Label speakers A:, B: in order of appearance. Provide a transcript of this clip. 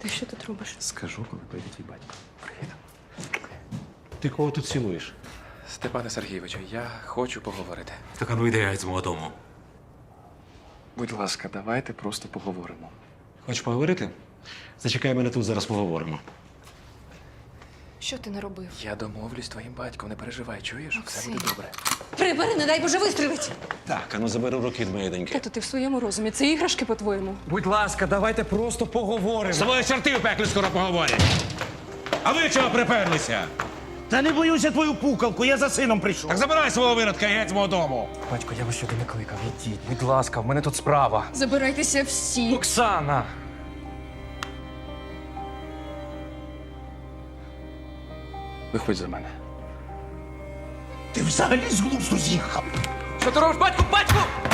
A: Ти що тут робиш?
B: Скажу, коли прийде твій батько. Привіт.
C: Ти кого тут цілуєш?
B: Степане Сергійовичу, я хочу поговорити.
C: Так, а ну йди геть з мого дому.
B: Будь ласка, давайте просто поговоримо.
C: Хочеш поговорити? Зачекай мене тут, зараз поговоримо.
A: Що ти наробив?
B: Я домовлюсь з твоїм батьком, не переживай, чуєш? Все буде добре.
A: Прибери, не дай Боже, вистрілить!
C: Так, а ну забери руки від моєї доньки.
A: Тато, ти в своєму розумі. Це іграшки, по-твоєму.
D: Будь ласка, давайте просто поговоримо.
C: З тобою чорти в пеклі скоро поговорять. А ви чого приперлися?
D: Та не боюся твою пукалку, я за сином прийшов.
C: Так забирай свого виродка і геть з мого дому.
D: Батько, я вас сюди не кликав. Ідіть, будь ласка, в мене тут справа.
A: Забирайтеся всі.
D: Оксана!
B: Виходь за мене.
D: Ти взагалі з глузду з'їхав.
B: Що ти робиш, батьку? Батьку!